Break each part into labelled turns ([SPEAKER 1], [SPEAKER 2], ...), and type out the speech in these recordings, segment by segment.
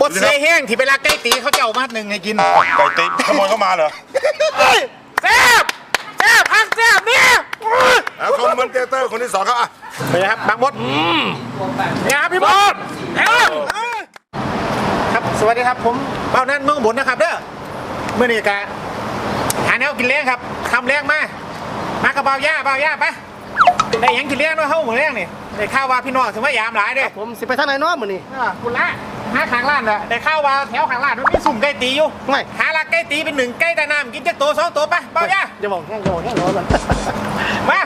[SPEAKER 1] เสียแห้งที่เวลาใกล้ตีเขาจะเอามาหนึ่งให้กิน
[SPEAKER 2] ไก่ตีขโมยเข้ามาเหรอ
[SPEAKER 1] แซ่บพักแซ่บเนี่ย
[SPEAKER 2] คอมเมนเตอร์คนที่สองครับ
[SPEAKER 1] ไปครับบางมดเนี่ยครับพี่มดครับสวัสดีครับผมเบ้านั่นเมืองบุญนะครับเด้อเมื่อนี้กะหาแนวกินเลี้ยงครับทำเลี้ยงมากระเบาย่าปะได้ยังกินเลี้ยงด้วยเฮ้าหมูเลี้ยงนี่ได้ข้าวว่าพี่น้องถึงว่ายามหลายด้วย
[SPEAKER 3] ผมสิไปทางไหนน้อมือนี่
[SPEAKER 1] คุณละหาขางร้านเลยได้ข้าวว่าแถวขางร้านมันมีสุ่มไก่ตีอยู่
[SPEAKER 3] ไม่
[SPEAKER 1] หาลักไก่ตีเป็นหนึ่งไก่แต่น้ำกินจะตัว2 ตัวปะเบาย่า
[SPEAKER 3] อย่าบอกแห้งร้อนมัน
[SPEAKER 1] มา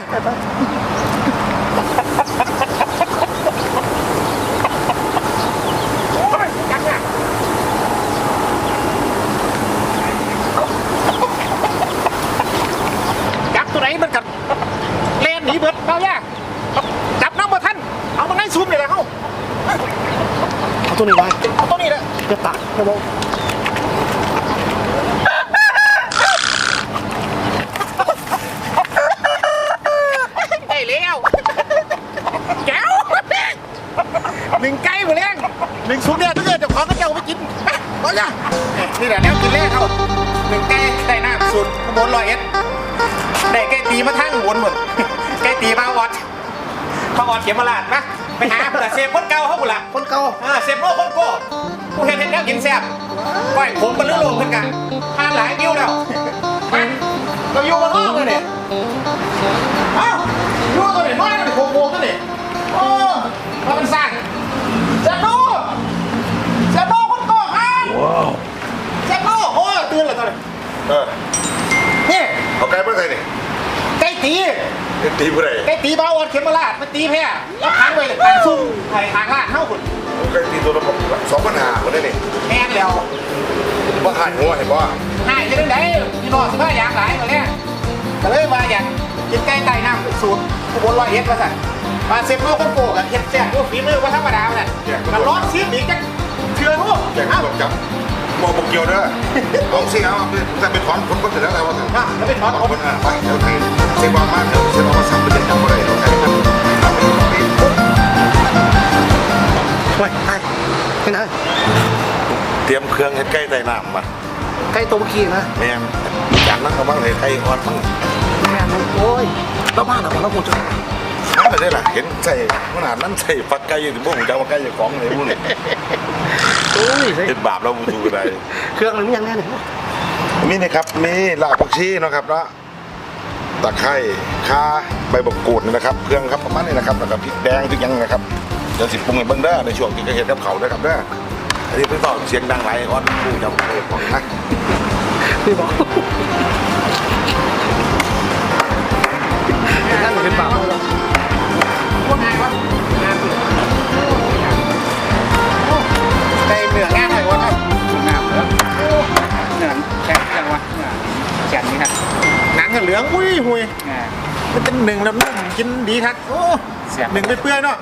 [SPEAKER 1] จับตัวไหนมันกัดเล่นหนีเบิดเบาย่าจับน้ำมาท่านเอามาให้ซุ่มเลยละเขา
[SPEAKER 3] เอาตัวนี้ไว้
[SPEAKER 1] เอาตัวนี้เลย
[SPEAKER 3] จะตักจะบอก
[SPEAKER 1] ได้แล้วแก้วหนึ่งไก่หมดแล้วหนึ่งซุปเนี่ยถ้าเกิดเจ้าของก็จะเอาไปกินเบาย่านี่แหละแล้วกินแรกเขาหนึ่งไก่ได้น้ำสูตรขบวน100 เอสได้ไก่ตีมาทั้งวนหมดไก่ตีมาออดเขียมมาลาดนะไปหาเผื่อเซฟคนเก่าเขาบุละ
[SPEAKER 3] คนเก่า
[SPEAKER 1] เซฟโลคนโก้ผู้เห็นแล้วกินแซ่บก้อยผมเป็นเรื่องโลกเหมือนกันทานหลายวิวแล้วเราอยู่กันรอบเลยเนี่ยอยู่ตัวเนี่ยน้อยนั่นโค้งตัวเนี่ยโอ้มาเป็นสร้างเซฟโลคนโก้ครับเซฟโลโอ้ตื่นเลยตัวเนี่ยนี่
[SPEAKER 2] เอาไก่เมื่อไหร่เนี่ย
[SPEAKER 1] ไก่ตี
[SPEAKER 2] ผู้ใด
[SPEAKER 1] ไก่ตีบ้าออดเข็มมาลาดมันตีแพ้แล้วค้างไว้เลยทางซุ่มไทางลาดเท่าคุณ
[SPEAKER 2] ไก่ตีตัวละ2,500คนได้เนี่ย
[SPEAKER 1] แห้งแล้ว
[SPEAKER 2] ว่าหายหัวเห็นป่ะ
[SPEAKER 1] หายจะได้พี่น้องสิว่าอยากหลายตัวเนี้ยก็เลยมาอยากกินไก่ไต่น้ำสูตรขบวน100 เอสมาสั่งมาเซฟโลคนโกกับเฮ็ดแซ่บด้วยฝีมือว่าธรรมดาเนี่ยมันร้อนซีดอีกจังเชื่อทุก
[SPEAKER 2] แจกตรวจจับมองบุกเกี่ยวเด้อลองสิเอาแต่เป็นถอนคนก็เสร็จแล้วแต่ว่า
[SPEAKER 1] แล้วเป็นถอนผม
[SPEAKER 2] ไปเดี๋ยวไทยเซฟวางมากเดี๋ยวเซฟวางมาสั่งไปเด็ดจับอะไรเราไทยทำไปต่อไป
[SPEAKER 3] ไปไปไหน
[SPEAKER 2] เตรียมเครื่องเฮ็ดไก่ไต่น้ำมา
[SPEAKER 3] ไก่ตัวเมื่อกี้นะ
[SPEAKER 2] แม่จากนั้นก็บ้างเลยไก่อ่อนบ้าง
[SPEAKER 3] แม่โอ้ยแล้วบ้านเราคงจะ
[SPEAKER 2] ไม่ได้ล่ะเห็นใส่ขนาดนั้นใส่ฟักไก่อยู่ที่บ้านจะว่าไก่จะฟ้องเลยมุ่ง
[SPEAKER 3] โอ้ย
[SPEAKER 2] เป็นบาปเราบูดูอะไร
[SPEAKER 3] เครื่องมันมีอย่างแน่เลย
[SPEAKER 2] มีนะครับมีรากผักชีนะครับแล้วตะไคร้ข่าใบบักกูดนะครับเครื่องครับประมาณนี้นะครับแล้วก็พริกแดงทุกอย่างนะครับเดี๋ยวสิปรุงให้เบิ่งเด้อในช่วงที่จะเห็นกับเขาด้วยครับเด้ออันนี้เพิ่งต่อเสียงดังไรออนผู้จำเลยของนะ
[SPEAKER 3] พี่บอกนั่นเป็นบาปเรา
[SPEAKER 1] ว่าไงวะไก่เหนือง่ายหน่อยวะครับ
[SPEAKER 3] เหนือแข็งจังวะแข็งนี่ครับ
[SPEAKER 1] หนังเหลืองหุ้ยมันเป็นหนึ่งแล้วนุ่มกินดีครับโอ้หนึ่งไปเปื่อยเนาะ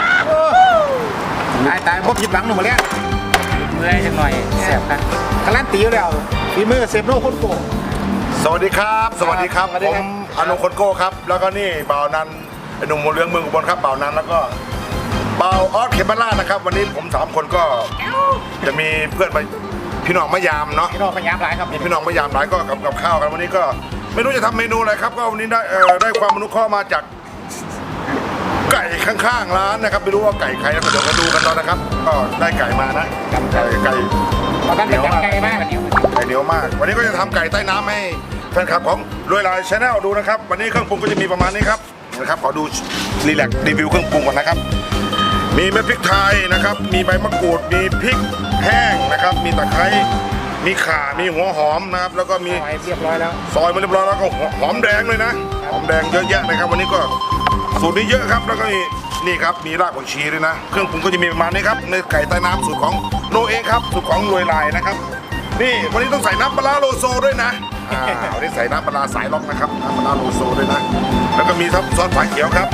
[SPEAKER 1] ตายพวกผิดหวังหนูมาแล้ว
[SPEAKER 3] เมื่อยจังหน่อยแสบครับ
[SPEAKER 1] การันตีแล้วฝีมือเซฟโลคนโก
[SPEAKER 2] สวัสดีครับผมอนุคนโก้ครับแล้วก็นี่บ่าวนันไอ้หนุ่มหัวเรืองเมืองอุบลครับบ่าวนันแล้วก็บ่าวออสเขมราชนะครับวันนี้ผม3 คนก็จะมีเพื่อนไปพี่น้องมะยามเนาะ
[SPEAKER 1] พี่น้องมะยามหลายครับ
[SPEAKER 2] พี่น้องมะยามหลายก็กับข้าวกันวันนี้ก็ไม่รู้จะทำเมนูอะไรครับก็วันนี้ได้ความอนุเคราะห์มาจากไก่ข้างๆร้านนะครับไม่รู้ว่าไก่ใครแล้วเดี๋ยวมาดูกันตอนนะครับก็ได้ไก่มานะไก่
[SPEAKER 1] เหนียวมากไก่
[SPEAKER 2] เหนียวมากวันนี้ก็จะทำไก่ใต้น้ำให้แฟนคลับของรวยลายชาแนลดูนะครับวันนี้เครื่องปรุงก็จะมีประมาณนี้ครับนะครับขอดูรีวิวเครื่องปรุงก่อนนะครับมีเม็ดพริกไทยนะครับมีใบมะกรูดมีพริกแห้งนะครับมีตะไคร้มีข่ามีหัวหอมนะครับแล้วก็มี
[SPEAKER 1] เรียบร้อยแล้ว
[SPEAKER 2] ซอยมาเรียบร้อยแล้วก็หอมแดงเลยนะหอมแดงเยอะแยะนะครับวันนี้ก็สูตรนี้เยอะครับแล้วก็นี่ครับมีรากผักชีด้วยนะเครื่องปรุงก็จะมีประมาณนี้ครับในไก่ใต้น้ำสูตรของโนเองครับสูตรของรวยลายนะครับนี่วันนี้ต้องใส่น้ำปลาโลโซด้วยนะวันนี้ใส่น้ำปลาสายล็อกนะครับน้ำปลาโลโซด้วยนะแล้วก็มีซอสฝาเขียวครับ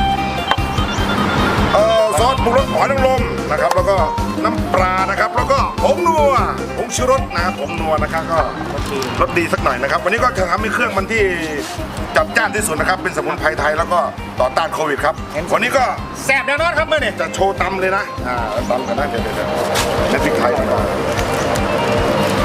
[SPEAKER 2] ซอสปรุงรสหอยนางรมนะครับแล้วก็น้ำปลานะครับแล้วก็ผงนัวผงชูรสนะครับผงนัวนะครับก็รสดีสักหน่อยนะครับวันนี้ก็จะทำให้เครื่องมันที่จัดจ้านที่สุดนะครับเป็นสมุนไพรไทยแล้วก็ต่อต้านโควิดครับวันนี้ก็
[SPEAKER 1] แซ่บแน่นอนครับเมื่อนี่
[SPEAKER 2] จะโชว์ตำเลยนะตำกันนะเดี๋ยวพริกไทยก่อน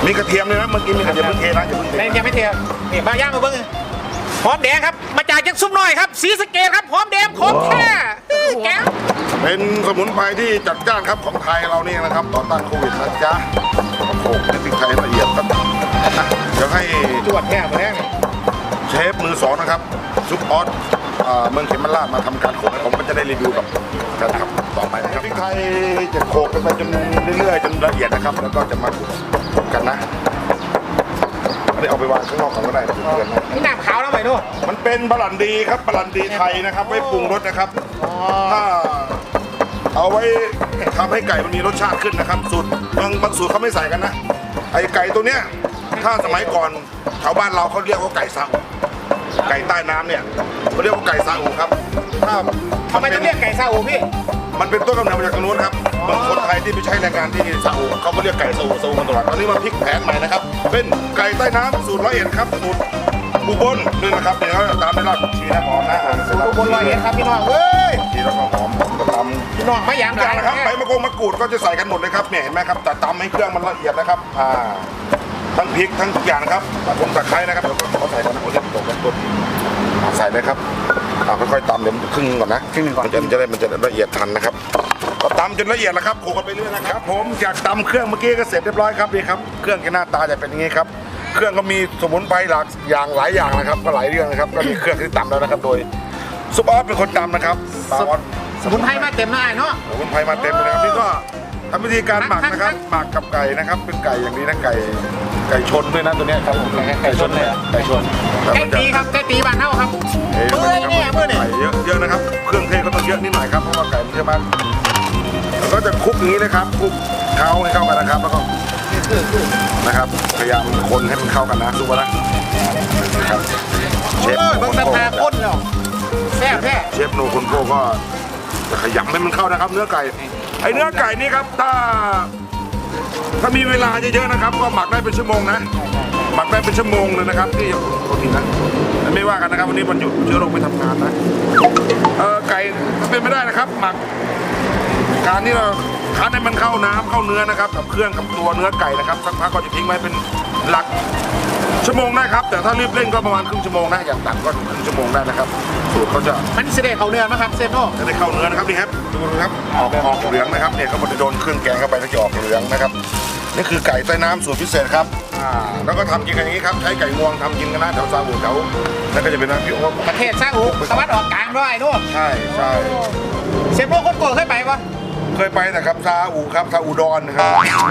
[SPEAKER 2] มีกระเทียมเลยนะเมื่อกี้มีกระเทียมเพิ่งเทนะอย่าเพิ่งเท
[SPEAKER 1] ในยังไม่เทียมนี่มาย่างมาเบิ้งหอมแดงครับมาจากยังซุปหน่อยครับสีสะเกดครับหอมแดงของแท้แก้ว
[SPEAKER 2] เป็นสมุนไพรที่จัดจ้านครับของไทยเรานี่นะครับต่อต้านโควิดนะจ๊ะโขลกในพริกไทยละเอียดครับเดี๋ยวให้
[SPEAKER 1] จวดแท้มาแล้
[SPEAKER 2] เชฟมือสองนะครับซุปออสเมืองเขมราชมาทำการโขลกให้ผมก็จะได้รีวิวกับการทำต่อไปนะครับพริกไทยจะโขลกกันไปจนเรื่อยๆจนละเอียดนะครับแล้วก็จะมาคลุกกันนะอันนี้เอาไปวางข้างนอกก่อนก็ได้นะเพื่อนๆนะ
[SPEAKER 1] นี่น้ำขาวแล้วไหมนู่น
[SPEAKER 2] มันเป็นบะหลันดีครับบะหลันดีไทยนะครับไว้ปรุงรสนะครับถ้าเอาไว้ทำให้ไก่มันมีรสชาติขึ้นนะครับสูตรบางสูตรเขาไม่ใส่กันนะไอไก่ตัวเนี้ยถ้าสมัยก่อนชาวบ้านเราเขาเรียกว่าไก่ซาอุไก่ใต้น้ำเนี่ยเขาเรียกว่าไก่ซาอุครับถ้า
[SPEAKER 1] ทำไมต้องเรียกไก่ซาอูพี่
[SPEAKER 2] มันเป็นต้นกำเนิดมาจากตรงนู้นครับบางคนไทยที่ไปใช้แรงงานที่ซาอุเขาก็เรียกไก่ซาอุมาตลอดตอนนี้มาพลิกแผนใหม่นะครับเป็นไก่ใต้น้ำสูตร101ครับสูตรอุบลด้วยนะครับเดี๋ยวตามด้วยรากผักชีนะหอมนะเสร็จแล้ว
[SPEAKER 1] บนรอยเห็นครับพี่น้องเว้ย
[SPEAKER 2] ชีแล้วก็หอมก็ตำ
[SPEAKER 1] พี่น้องไม่ยาม
[SPEAKER 2] อย่างนะครับใบมะกรูดก็จะใส่กันหมดเลยครับเนี่ยเห็นไหมครับแต่ตำให้เครื่องมันละเอียดนะครับทั้งพริกทั้งทุกอย่างนะครับตะไคร้นะครับเดี๋ยวก็เขาใส่กันนะโอ้ยตกกันต้นใส่เลยครับค่อยๆตำเดี๋ยวครึ่งก่อนนะมันจะละเอียดทันนะครับก็ตำจนละเอียดแล้วครับโขลกกันไปเรื่อยนะครับผมจากตำเครื่องเมื่อกี้ก็เสร็จเรียบร้อยครับนี่ครับเครื่องหน้าตาจะเป็นอย่างนี้ครับเครื่องก็มีสมุนไพรหลายอย่างนะครับก็หลายเรื่องนะครับก็มีเครื่องที่ตำแล้วนะครับโดยซุปออสเป็นคนตำนะครับปาออส
[SPEAKER 1] สมุนไพรมาเต็มหน้าเนาะ
[SPEAKER 2] สมุนไพรมาเต็มเลยนะครับนี่ก็ทำวิธีการหมักนะครับหมักกับไก่นะครับเป็นไก่อย่างนี้นะไก่ชนด้วยนะตัวเนี้ยครับผมไก่ชนเลยไก่ชน
[SPEAKER 1] ไก่ตีครับไก่ตีบ้านเฮาครับ
[SPEAKER 2] เมื่
[SPEAKER 1] เมื่อยเนี่ยเมื่อยเนี่ย
[SPEAKER 2] ไก่เยอะนะครับเครื่องเทศก็ต้องเยอะนิดหน่อยครับเพราะว่าไก่มันเยอะมากแล้วก็จะคลุกอย่างนี้นะครับคลุกเข้าให้เข้ากันนะครับแล้วก็นะครับพยายามคนให้มันเข้ากันนะดูว่านะครับเชฟ
[SPEAKER 1] เบิ่งตาตาก้นเนาะแซ่บแท้
[SPEAKER 2] เชฟโนคนโก้ก็จะขยำให้มันเข้านะครับ เนื้อไก่ไอเนื้อไก่นี่ครับถ้ามีเวลาเยอะๆนะครับ ก็หมักได้เป็นชั่วโมงนะหมักได้เป็นชั่วโมงเลยนะครับที่โทษทีนะไม่ว่ากันนะครับวันนี้วันหยุดเชื้อโรคไปทำงานนะไก่ถ้าเป็นไม่ได้นะครับ หมักการที่เราคั้นให้มันเข้าน้ำเข้าเนื้อนะครับกับเครื่องกับตัวเนื้อไก่นะครับสักพักก็จะทิ้งไว้เป็นหลักชั่วโมงได้ครับแต่ถ้ารีบเร่งก็ประมาณครึ่งชั่วโมงนะอย่างต่ำก็ครึ่งชั่วโมงได้นะครับสูตรเขาจะ
[SPEAKER 1] มันเสด็จเขาเนื้อนะครับเซฟโน่
[SPEAKER 2] จะได้เข้าเนื้อนะครับนี่ครับดูนะครับออกเหลืองนะครับเนี่ยเขาจะโดนเครื่องแกงเข้าไปแล้วจะออกเหลืองนะครับนี่คือไก่ใต้น้ำสูตรพิเศษครับแล้วก็ทำกินกันอย่างนี้ครับใช้ไก่งวงทำกินกันนะแถวซาอุแถวแล้วก็จะเป็นน้ำพี่โอ๊ต
[SPEAKER 1] ประเทศซาอุตะวันออกกลางด้วยนู่น
[SPEAKER 2] ใช่ใช่
[SPEAKER 1] เซฟโน่คนโกรธเคยไปปะ
[SPEAKER 2] เคยไปนะครับซาอุครับซาอุดอนนะครับ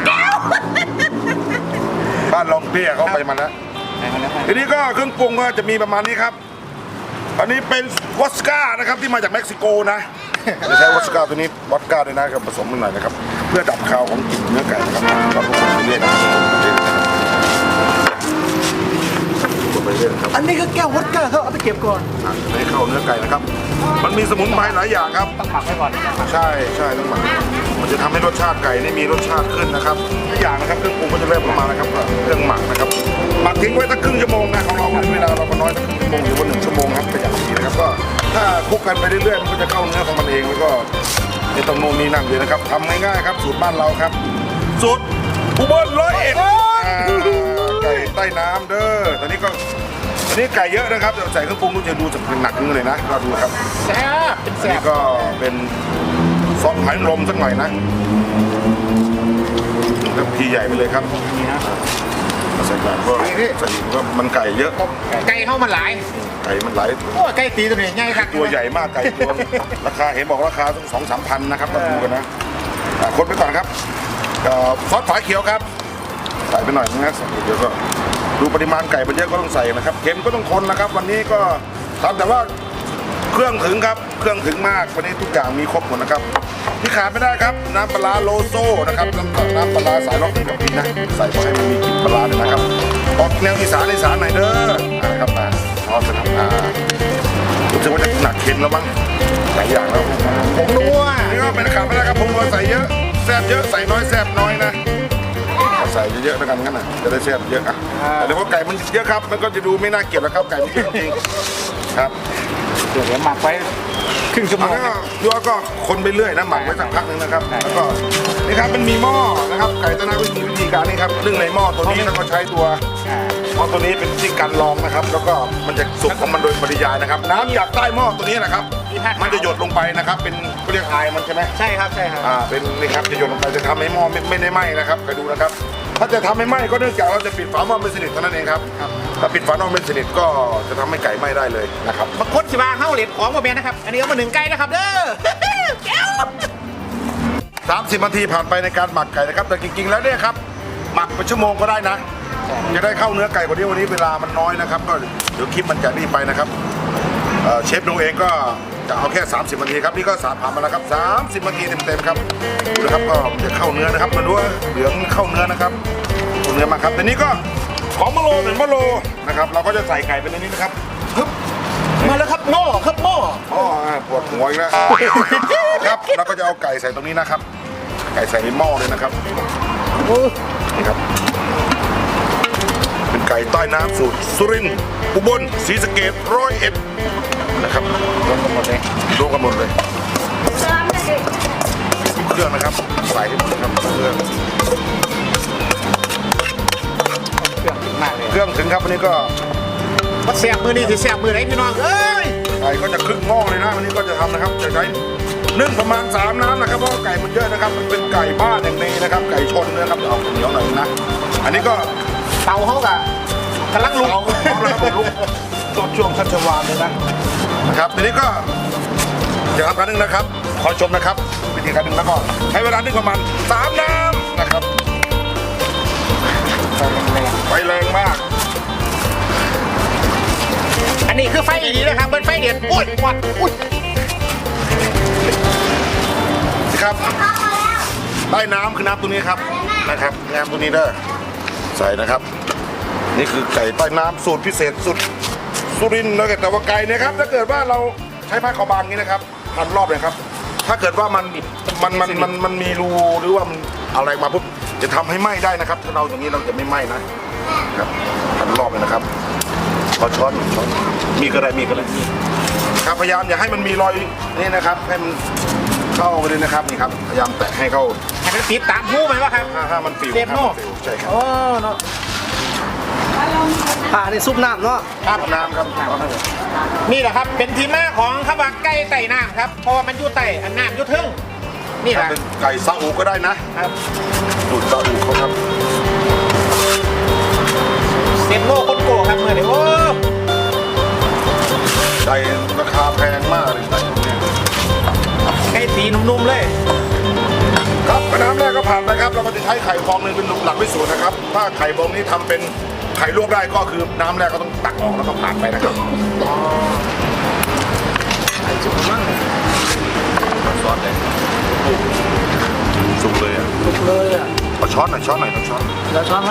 [SPEAKER 2] บ้านรองเปี้ยเขาไปมาแล้วทีนี้ก็เครื่องปรุงก็จะมีประมาณนี้ครับอันนี้เป็นวอสก้านะครับที่มาจากเม็กซิโกนะจะใช้วอสก้าตัวนี้วอสก้าด้วยนะครับผสมมันหน่อยนะครับเพื่อดับคาวของกลิ่นเนื้อไก่นะครับเราก็คนไปเรื่อยนะครับคนไปเรื่อยนะครับ
[SPEAKER 1] อันนี้ก็แก้ววอดก้าเขาเอาไปเก็บก่อน
[SPEAKER 2] ให้เข้าเนื้อไก่นะครับมันมีสมุนไพรหลายอย่างครับ
[SPEAKER 1] ต้องหมักไว้ก่อน
[SPEAKER 2] ใช่ต้องหมักมันจะทำให้รสชาติไก่นี่มีรสชาติขึ้นนะครับทุกอย่างนะครับเครื่องปรุงก็จะเริ่มประมาณนะครับเครื่องหมักนะครับหมักทิ้งไว้สักครึ่งชั่วโมงนะของเราเวลาเราก็น้อยสักครึ่งชั่วโมงหรือว่า1 ชั่วโมงครับเป็นอย่างดีนะครับก็ถ้าคลุกกันไปเรื่อยๆมันก็จะเข้าเนื้อของมันเองแล้วก็ไม่ต้องโน่นนี่นั่นเลยนะครับทำง่ายๆครับสูตรบ้านเราครับสูตรอุบล101ไก่ใต้น้ำเด้อตอนนี้ไก่เยอะนะครับเดี๋ยวใส่เครื่องปรุงจะดูจะเป็นหนักนึงเลยนะก็ดูครับ
[SPEAKER 1] แซ่บเป็น
[SPEAKER 2] อัน
[SPEAKER 1] แซ่
[SPEAKER 2] นี้
[SPEAKER 1] บ
[SPEAKER 2] ก็เป็นซอสหอยนางรมสักหน่อยนะแล้วทีใหญ่ไปเลยครับ
[SPEAKER 1] นี่นะ
[SPEAKER 2] ใส่แบบก็ใส่ก็มันไก่เยอะ
[SPEAKER 1] ไก่เข้ามาหลาย
[SPEAKER 2] ไก่มันหลาย
[SPEAKER 1] โอ้ยไก่ตีตัวนี้ใหญ่ครับ
[SPEAKER 2] ตัวใหญ่มากไก่ตัวราคาเห็นบอกราคาต้อง2-3 พันนะครับมาดูกันนะคนไปก่อนครับซอสฝาเขียวครับใส่ไปหน่อยนะเดี๋ยวก็ดูปริมาณไก่มันเยอะก็ต้องใส่นะครับเค็มก็ต้องคนนะครับ วันนี้ก็ทำแต่ว่าเครื่องถึงครับเครื่องถึงมากวันนี้ทุกอย่างมีครบหมดนะครับที่ขาดไม่ได้ครับน้ำปลาโลโซ่นะครับน้ำปลาสายล็อกนี่กับพี่นะใส่มาให้มันมีกลิ่นปลาเลยนะครับออกแนวอีสานหน่อยเด้อนะครับมาทอดนะครับรู้สึกว่าจะหนักเค็มแล้วมั้งหลายอย่างแล้ว
[SPEAKER 1] ผมนัว
[SPEAKER 2] นี่ก็เป็นขาดไม่ได้ครับผมก็ใส่เยอะแซ่บเยอะใส่น้อยแซ่บน้อยนะใส่เยอะๆแล้วกันงั้นนะจะได้แซ่บเยอะอ่ะแต่เดี๋ยวพอไก่มันเยอะครับมันก็จะดูไม่น่าเกลียดแล้วครับไก่มันเยอะจริงครับ
[SPEAKER 1] เดี๋ยวหมักไว้ครึ่งชั่วโม
[SPEAKER 2] แล้ว
[SPEAKER 1] ง
[SPEAKER 2] ก็ยัวก็คนไปเรื่อยนะหมักไว้สักพักหนึ่งนะครับแล้วก็นี่ครับมันมีหม้อนะครับไก่ตะนาก็มีวิธีการนี่ครับนึ่งในหม้อตัวนี้แล้วก็ใช้ตัวหม้อตัวนี้เป็นที่กันรองนะครับ แล้วก็มันจะสุกของมันโดยปริยายนะครับ น้ำจากใต้หม้อตัวนี้นะครับมันจะหยดลงไปนะครับ เป็นเขาเรียกไอมันใช่ไหม
[SPEAKER 3] ใช่ครับใช่ครับ
[SPEAKER 2] เป็นนี่ครับจะหยดลงไปจะทำให้หม้อไม่ได้ไหม้นะครับไปดูนะครับ ถ้าจะทำให้ไหม้ก็เนื่องจากเราจะปิดฝาหม้อไม่สนิทเท่านั้นเองครับถ้าปิดฝาหม้อไม่สนิทก็จะทำให้ไก่ไหม้ได้เลยนะครับ
[SPEAKER 1] บางคนสิว่าเข้าเหรียญของโมเมนนะครับอันนี้เอามาหนึ่งไก่นะครับเด้อแก้ว
[SPEAKER 2] 30 นาทีผ่านไปในการหมักไก่นะครับแต่จริงๆแล้วเนี่ยครับหมักเป็นชั่วโมงก็ได้นะจะได้เข้าเนื้อไก่กว่านี้วันนี้เวลามันน้อยนะครับก็เดี๋ยวคลิปมันจะรีบไปนะครับเชฟดูเองก็จะเอาแค่ 30 นาทีครับนี่ก็ผ่านมาแล้วครับ30 นาทีเต็มๆครับดูนะครับก็จะเข้าเนื้อนะครับมาดูว่าเหลืองเข้าเนื้อนะครับเข้าเนื้อมาครับทีนี้ก็ของมะโลหนึ่งมะโลนะครับเราก็จะใส่ไก่ไปในนี้นะครับฮึบ
[SPEAKER 1] มาแล้วครับหม้อครับหม้อ
[SPEAKER 2] อ๋อปวดหัวอีกแล้วครับเราก็จะเอาไก่ใส่ตรงนี้นะครับ ไก่ใส่ในหม้อเลยนะครับนี่ครับเป็นไก่ใต้น้ำสูตรสุรินทร์อุบลศรีสะเกษ101นะครับรวมกันหมดเลยเครื่องนะครับใส่ให้หมดนะครับเครื่อง
[SPEAKER 3] เครื่องถึงมากเลย
[SPEAKER 2] เครื่องถึงครับวันนี้ก็
[SPEAKER 1] มาแสบมือนี่สิแสบมือไหนพี่น้องเอ้ย
[SPEAKER 2] ไก่ก็จะครึ่งหม้อเลยนะวันนี้ก็จะทำนะครับจะใช้นึ่งประมาณ3 น้ำนะครับเพราะว่าไก่มันเยอะนะครับมันเป็นไก่บ้านอย่างนี้นะครับไก่ชนนะครับเอาเหนียวหน่อยนะอันนี้ก็
[SPEAKER 1] เตาเขากะกำลังลุก
[SPEAKER 2] เอาแล้วครับลุกช่วงชัชวานเลยนะครับทีนี้ก็จะทำการนึ่งนะครับขอชมนะครับวิธีการนึ่งแล้วก็ใช้เวลานึ่งประมาณ3 น้ำนะครับไฟแรงมาก
[SPEAKER 1] อันนี้คือไฟดีนะครับเป็นไฟเดือดอุ้ยวัดอุ้ย
[SPEAKER 2] ครับใต้น้ำคือน้ำตัวนี้ครับนะครับน้ำตัวนี้เด้อใส่นะครับ นี่คือไก่ใต้น้ำสูตรพิเศษสุดสุรินทร์นะแต่ว่าไก่เนี่ยครับถ้าเกิดว่าเราใช้ผ้าขาวบางนี้นะครับพันรอบเลยครับ ถ้าเกิดว่ามันมีรูหรือว่ามันอะไรมาปุ๊บจะทำให้ไหม้ได้นะครับถ้าเราอย่างนี้เราจะไม่ไหม้นะครับพันรอบเลยนะครับขอช้อนมีก็ได้ครับพยายามอย่าให้มันมีรอยนี่นะครับให้มันเข้าไปเลยนะครับนี่ครับพยายามแตะให้เข้า
[SPEAKER 1] ให้มันติดตามหูมันวะครับ
[SPEAKER 2] ถ้ามันฟิว
[SPEAKER 1] เจ็บเนอะ
[SPEAKER 2] ใช่ครับ
[SPEAKER 1] โอ้เนาะ
[SPEAKER 3] ผ่าในซุปน้ำเนาะ
[SPEAKER 2] ครับน้ำครับ
[SPEAKER 1] นี่แหละครับเป็นที่มาของข้าวบางไก่ไต่น้ำครับเพราะว่ามันอยู่ไต่อันน้ำอยู่ทึ่งนี่แหละ
[SPEAKER 2] เป็นไก่ซาอูก็ได้นะครับ สูตรซาอูเขาครับ
[SPEAKER 1] เซนโลคนโกครับเมื่อไหร่โอ้
[SPEAKER 2] ไก่ราคาแพงมากเลยไก่พวกเนี้ย
[SPEAKER 1] ไก่ตีนุ่มๆเลย
[SPEAKER 2] ครับน้ำแรกก็ผ่านไปครับเราก็จะใช้ไข่ฟองหนึงเป็นหลักพิสูจน์นะครับถ้าไข่ฟองนี้ทำเป็นไข่ลวกได้ก็คือน้ำแรกก็ต้องตักออกแล้วก็ผ่านไปนะครับซอสเลยสุกเลยอ่ะ
[SPEAKER 3] เลยอ่ะ
[SPEAKER 2] เอาช้อนหน่อยเอาช้อน
[SPEAKER 3] แล้วช้อนไหม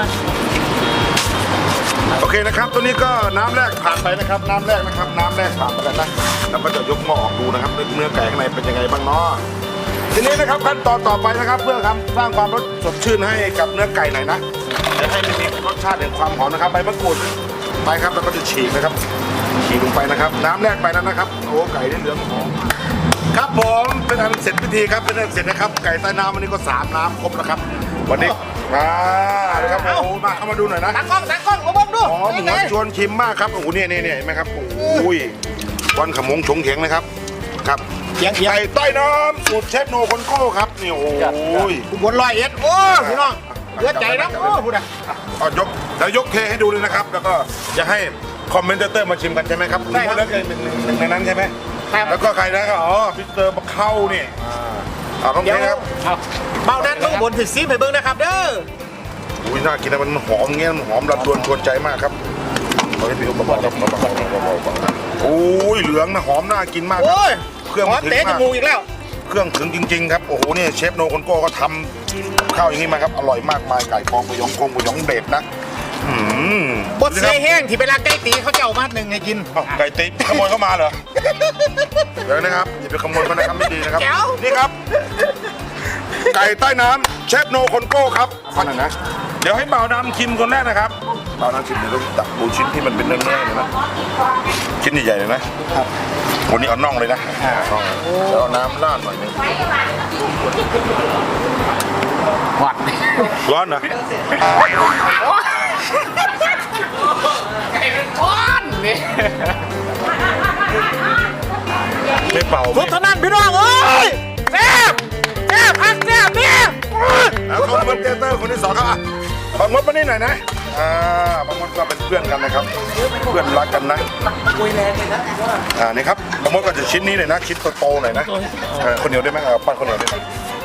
[SPEAKER 2] โอเคนะครับตัวนี้ก็น้ำแรกผ่านไปนะครับน้ำแรกผ่านไปแล้วนะแล้วก็จะยกหม้อออกดูนะครับเนื้อไก่ข้างในเป็นยังไงบ้างเนาะทีนี้นะครับขั้นตอนต่อไปนะครับเพื่อทำสร้างความรสสดชื่นให้กับเนื้อไก่หน่อยนะจะให้มันมีรสชาติแห่งความหอมนะครับใบมะกรูดไปครับแล้วก็จะฉีกนะครับฉีกลงไปนะครับ น้ำแรกไปนั้นนะครับโอ้ไก่ได้เหลืองหอมครับผมเป็นอันเสร็จพิธีครับเป็นอันเสร็จนะครับไก่ใต้น้ำวันนี้ก็3 น้ำครบแล้วครับวันนี้มาเลยครับโอ้มาเข้ามาดูหน่อยนะ
[SPEAKER 1] ตากล้องมาเบิ่งดู
[SPEAKER 2] อ๋อหมูชวนชิมมากครับโอ้โหเนี่ยเห็นไหมครับโอ้ยวันขมงฉงเถียงนะครับครับ
[SPEAKER 1] เถียง
[SPEAKER 2] ไก่ใต้น้ำสูตรเชฟโนคนโก้ครับนี่โอ้ย
[SPEAKER 1] อุบล101โอ้พี่น้องเลือดใจนะโอ้พูดอะ
[SPEAKER 2] เอายกแล้วยกเทให้ดูเลยนะครับ แล้วก็จะให้คอมเมนเตอร์มาชิมกันใช่ไหมครับแล้วเป็นหนึ่งในนั้นใช่ไหมแล้วก็ใครนะครับอ๋อพิเตอร์มาเข้านี่ต้อง
[SPEAKER 1] เดี๋ยว
[SPEAKER 2] เทครับ
[SPEAKER 1] เบานั้นเบิ่งบนถึงซีไปเบิ่งนะครับเด้อ
[SPEAKER 2] อุ้ยน่ากินนะมันหอมเงี้ยมันหอมระดวนชวนใจมากครับเอาให้พี่อุ้มเบาๆครับเบาๆโอ้ยเหลืองนะหอมน่ากินมากครับ
[SPEAKER 1] โอ้ย
[SPEAKER 2] เครื่อง
[SPEAKER 1] หอม
[SPEAKER 2] ถึง
[SPEAKER 1] เตะจ
[SPEAKER 2] มาก
[SPEAKER 1] มูกอีกแล้ว
[SPEAKER 2] เครื่องถึงจริงๆครับโอ้โหเนี่ยเชฟโนคนโก้ก็ทำกับข้าวอย่างนี้มาครับอร่อยมากมายไก่ฟองหมูหยองเด็ดนะ
[SPEAKER 1] บดเสยแห้งที่เวลาไก่ตีเขาจะเอามาหนึ่งให้กิน
[SPEAKER 2] ไก่ติ๊บขโมยเข้ามาเหรอเดี๋ยวนะครับอย่าไปขโมยเขานะครับไม่ดีนะครับ
[SPEAKER 1] แจ๋ว
[SPEAKER 2] นี่ครับ ไก่ใต้น้ำเชฟโนคนโก้ครับฟังหน่อยนะเดี๋ยวให้เบาดำชิมคนแรกนะครับเบาดำชิมเดี๋ยวต้องตักดูชิ้นที่มันเป็นเนื้อๆเลยนะชิ้นใหญ่ๆเลยนะครับวันนี้เอาน่องเลยนะน่องแล้วเอาน้ำราดหน่อยนึง
[SPEAKER 3] หวัด
[SPEAKER 2] ร้อนนะ
[SPEAKER 3] ก้อนนี่
[SPEAKER 2] ไม่เป่า
[SPEAKER 1] สุดเท่านั้นพี่น้องเอ้ยแซ่บพักแซ่บเนี่ย
[SPEAKER 2] แล้วเขาคอมเมนเตอร์คนที่สองครับบางมดมานี่หน่อยนะบางมดก็เป็นเพื่อนกันนะครับ เพื่อนรักกันนะนี่ครับบางมดก็จะชิ้นนี้เลยนะชิ้นโตๆหน่อยนะคนเหนียวได้ไหมปั้นคนเหนียวได้ไหม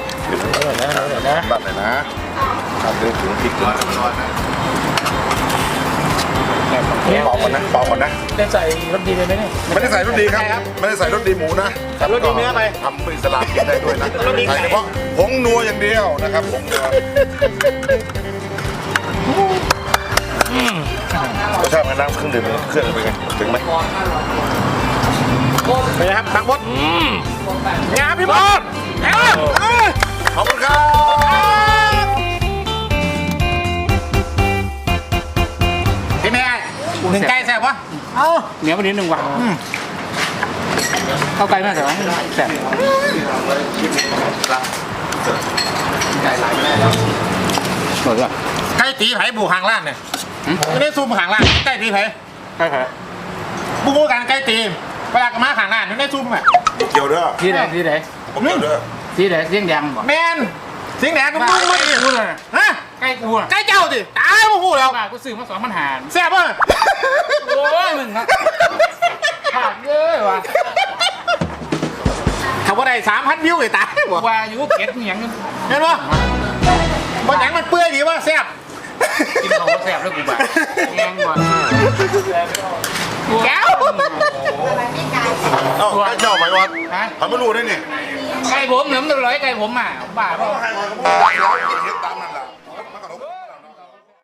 [SPEAKER 2] ปั้นเลยนะทำด้วยถุงพริกด้วยเป่าก่อนนะ
[SPEAKER 3] ได้ใส่รสดีเลยไหมเนี่ย
[SPEAKER 2] ไม่ได้ใส่รสดีครับไม่ได้ใส่รสดีหมูนะ
[SPEAKER 1] รสดีเนื้อไป
[SPEAKER 2] ทำเป็นอิสลามกินได้ด้วยนะใส่เฉพาะผงนัวอย่างเดียวนะครับผงนัวรสชาติมันน้ำเครื่องดื่มเครื่องเป็นไงถึงไหม
[SPEAKER 1] ไปนะครับบางมดงามพี่มด
[SPEAKER 2] ขอบคุณครับ
[SPEAKER 1] พี่แม่หนึ่งไก่แซ่บวะเอา
[SPEAKER 3] เหนียวไปนิดนึงว่ะเข้าไกลมากแต่ว่าแสบหมดว่ะ
[SPEAKER 1] ไก่ตีไผ่บูหางล่างเนี่ยไม่ได้ซูมหางล่างไก่ตีไผ่
[SPEAKER 3] ใช่ครับ
[SPEAKER 1] บูกันไก่ตีเวลากระมาหางล่างไม่ได้ซูมอ่ะ
[SPEAKER 2] เกี่ยวเด้อ
[SPEAKER 3] ที่ไหนที่ไหน
[SPEAKER 2] ผมเกี่ยวเด้อ
[SPEAKER 3] ที่ไหนเสียงแดงบ่
[SPEAKER 1] แมนสิงแดงก็มึงไม่ได้
[SPEAKER 3] กูเลย
[SPEAKER 1] ฮะ
[SPEAKER 3] ใกล้กูอ่ะ
[SPEAKER 1] ไก่เจ้าสิตายมาพูดแล้ว
[SPEAKER 3] บ้ากูซื้อมา2,000 หาร
[SPEAKER 1] แซ่บป่ะ
[SPEAKER 3] โอ้ยมึงครับขาดเยอะว่ะ
[SPEAKER 1] ถ้าว่าได้3,000 วิวเลยตายบ่
[SPEAKER 3] ว่าอยู่เก็ดเหนียง
[SPEAKER 1] เห็นป่ะบนหนังมันเปื่อยดีว่าแซ่บ
[SPEAKER 3] กินของแสบแล้วกูแบบแงงก่อน
[SPEAKER 1] แก้ว
[SPEAKER 2] เอ้าเจ้าไหมวัด
[SPEAKER 3] ฮะ
[SPEAKER 2] ทำไม่รู้ได้นี่
[SPEAKER 3] ไก่ผมเหนือมันร้อยไก่ผมอ่ะบ้าเปล่า
[SPEAKER 2] ให้มาก็พูดเดี๋ยวเห็นต